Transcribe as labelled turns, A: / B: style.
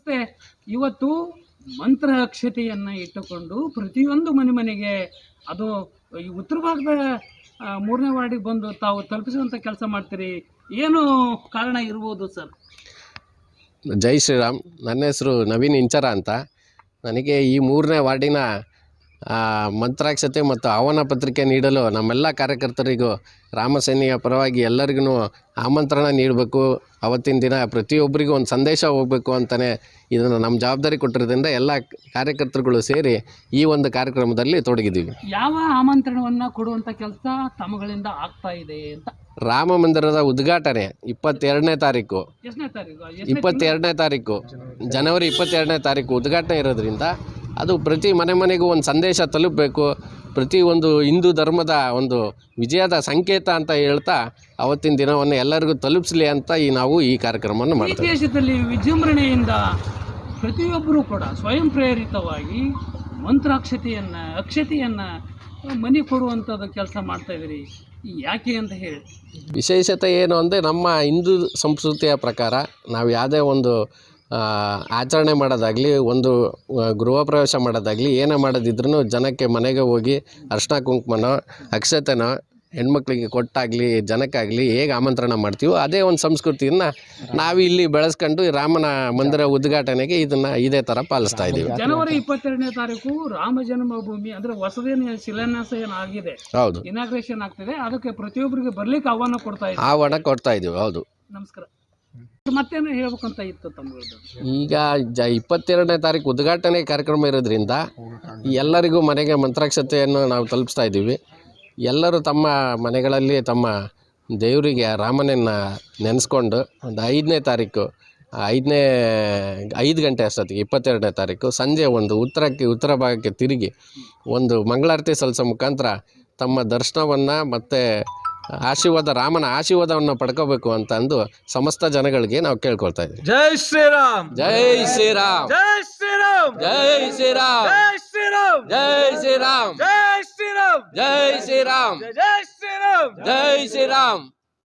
A: ಮತ್ತು ಇವತ್ತು ಮಂತ್ರ ಅಕ್ಷತೆಯನ್ನು ಇಟ್ಟುಕೊಂಡು ಪ್ರತಿಯೊಂದು ಮನೆಗೆ ಅದು ಈ ಉತ್ತರ ಭಾಗದ 3ನೇ ವಾರ್ಡಿಗೆ ಬಂದು ತಾವು ತಲುಪಿಸುವಂಥ ಕೆಲಸ ಮಾಡ್ತೀರಿ. ಏನು ಕಾರಣ ಇರ್ಬೋದು ಸರ್?
B: ಜೈ ಶ್ರೀರಾಮ್. ನನ್ನ ಹೆಸರು ನವೀನ್ ಇಂಚರ ಅಂತ. ನನಗೆ ಈ 3ನೇ ವಾರ್ಡಿನ ಮಂತ್ರಾಕ್ಷತೆ ಮತ್ತು ಆಹ್ವಾನ ಪತ್ರಿಕೆ ನೀಡಲು ನಮ್ಮೆಲ್ಲ ಕಾರ್ಯಕರ್ತರಿಗೂ ರಾಮಸೇನೆಯ ಪರವಾಗಿ ಎಲ್ಲರಿಗೂ ಆಮಂತ್ರಣ ನೀಡಬೇಕು. ಅವತ್ತಿನ ದಿನ ಪ್ರತಿಯೊಬ್ಬರಿಗೂ ಒಂದು ಸಂದೇಶ ಹೋಗಬೇಕು ಅಂತಲೇ ಇದನ್ನು ನಮ್ಮ ಜವಾಬ್ದಾರಿ ಕೊಟ್ಟಿರೋದ್ರಿಂದ ಎಲ್ಲ ಕಾರ್ಯಕರ್ತರುಗಳು ಸೇರಿ ಈ ಒಂದು ಕಾರ್ಯಕ್ರಮದಲ್ಲಿ ತೊಡಗಿದ್ದೀವಿ.
A: ಯಾವ ಆಮಂತ್ರಣವನ್ನು ಕೊಡುವಂಥ ಕೆಲಸ ತಮ್ಮಗಳಿಂದ ಆಗ್ತಾ ಇದೆ ಅಂತ?
B: ರಾಮ ಮಂದಿರದ ಉದ್ಘಾಟನೆ 22ನೇ ತಾರೀಕು,
A: ಎಷ್ಟನೇ ತಾರೀಕು?
B: 22ನೇ ತಾರೀಕು, ಜನವರಿ 22ನೇ ತಾರೀಕು ಉದ್ಘಾಟನೆ ಇರೋದ್ರಿಂದ ಅದು ಪ್ರತಿ ಮನೆಗೂ ಒಂದು ಸಂದೇಶ ತಲುಪಬೇಕು. ಪ್ರತಿ ಒಂದು ಹಿಂದೂ ಧರ್ಮದ ಒಂದು ವಿಜಯದ ಸಂಕೇತ ಅಂತ ಹೇಳ್ತಾ ಅವತ್ತಿನ ದಿನವನ್ನು ಎಲ್ಲರಿಗೂ ತಲುಪಿಸಲಿ ಅಂತ ನಾವು ಈ ಕಾರ್ಯಕ್ರಮವನ್ನು ಮಾಡ್ತೀವಿ.
A: ಈ ದೇಶದಲ್ಲಿ ವಿಜೃಂಭಣೆಯಿಂದ ಪ್ರತಿಯೊಬ್ಬರೂ ಕೂಡ ಸ್ವಯಂ ಪ್ರೇರಿತವಾಗಿ ಅಕ್ಷತೆಯನ್ನು ಮನೆ ಕೊಡುವಂಥದ್ದು ಕೆಲಸ ಮಾಡ್ತಾಯಿದ್ದೀರಿ. ಯಾಕೆ ಅಂತ ಹೇಳಿ?
B: ವಿಶೇಷತೆ ಏನು ಅಂದರೆ, ನಮ್ಮ ಹಿಂದೂ ಸಂಸ್ಕೃತಿಯ ಪ್ರಕಾರ ನಾವು ಯಾವುದೇ ಒಂದು ಆಚರಣೆ ಮಾಡೋದಾಗಲಿ, ಒಂದು ಗೃಹ ಪ್ರವೇಶ ಮಾಡೋದಾಗಲಿ, ಏನೇ ಮಾಡೋದಿದ್ರೂ ಜನಕ್ಕೆ ಮನೆಗೆ ಹೋಗಿ ಅರ್ಶಿನ ಕುಂಕುಮನೋ ಅಕ್ಷತೆನೋ ಹೆಣ್ಮಕ್ಳಿಗೆ ಕೊಟ್ಟಾಗಲಿ ಜನಕ್ಕಾಗಲಿ ಹೇಗೆ ಆಮಂತ್ರಣ ಮಾಡ್ತೀವೋ ಅದೇ ಒಂದು ಸಂಸ್ಕೃತಿಯನ್ನು ನಾವು ಇಲ್ಲಿ ಬೆಳೆಸ್ಕೊಂಡು ರಾಮನ ಮಂದಿರ ಉದ್ಘಾಟನೆಗೆ ಇದೇ ಥರ ಪಾಲಿಸ್ತಾ ಇದ್ದೀವಿ.
A: ಜನವರಿ 22ನೇ ತಾರೀಕು ರಾಮ ಜನ್ಮಭೂಮಿ ಅಂದರೆ ಹೊಸದೇನು ಶಿಲಾನ್ಯಾಸ ಏನಾಗಿದೆ,
B: ಹೌದು,
A: ಇನಾಗ್ರೇಷನ್ ಆಗ್ತಿದೆ. ಅದಕ್ಕೆ ಪ್ರತಿಯೊಬ್ಬರಿಗೆ ಬರ್ಲಿಕ್ಕೆ ಆಹ್ವಾನ
B: ಕೊಡ್ತಾ ಇದ್ದೀವಿ. ಹೌದು.
A: ನಮಸ್ಕಾರ. ಮತ್ತೇನು ಹೇಳ್ಬೇಕಂತ ಇತ್ತು ತಮ್ಮದು?
B: ಈಗ 22ನೇ ತಾರೀಕು ಉದ್ಘಾಟನೆ ಕಾರ್ಯಕ್ರಮ ಇರೋದ್ರಿಂದ ಎಲ್ಲರಿಗೂ ಮನೆಗೆ ಮಂತ್ರಾಕ್ಷತೆಯನ್ನು ನಾವು ತಲುಪಿಸ್ತಾ ಇದ್ದೀವಿ. ಎಲ್ಲರೂ ತಮ್ಮ ಮನೆಗಳಲ್ಲಿ ತಮ್ಮ ದೇವರಿಗೆ ರಾಮನನ್ನು ನೆನೆಸ್ಕೊಂಡು ಒಂದು 5ನೇ ತಾರೀಕು 5 ಗಂಟೆ ಅಷ್ಟೊತ್ತಿಗೆ 22ನೇ ತಾರೀಕು ಸಂಜೆ ಒಂದು ಉತ್ತರ ಭಾಗಕ್ಕೆ ತಿರುಗಿ ಒಂದು ಮಂಗಳಾರತಿ ಸಲ್ಲಿಸೋ ಮುಖಾಂತರ ತಮ್ಮ ದರ್ಶನವನ್ನು ಮತ್ತು ರಾಮನ ಆಶೀರ್ವಾದವನ್ನು ಪಡ್ಕೋಬೇಕು ಅಂತ ಅಂದು ಸಮಸ್ತ ಜನಗಳಿಗೆ ನಾವು ಕೇಳ್ಕೊಳ್ತಾ ಇದ್ದೀವಿ.
C: ಜೈ ಶ್ರೀರಾಮ್,
B: ಜೈ ಶ್ರೀರಾಮ್,
C: ಜೈ ಶ್ರೀರಾಮ್,
B: ಜೈ ಶ್ರೀರಾಮ್,
C: ಜೈ ಶ್ರೀರಾಮ್,
B: ಜೈ ಶ್ರೀರಾಮ್,
C: ಜೈ ಶ್ರೀರಾಮ್,
B: ಜೈ ಶ್ರೀರಾಮ್,
C: ಜೈ ಶ್ರೀರಾಮ್,
B: ಜೈ ಶ್ರೀರಾಮ್.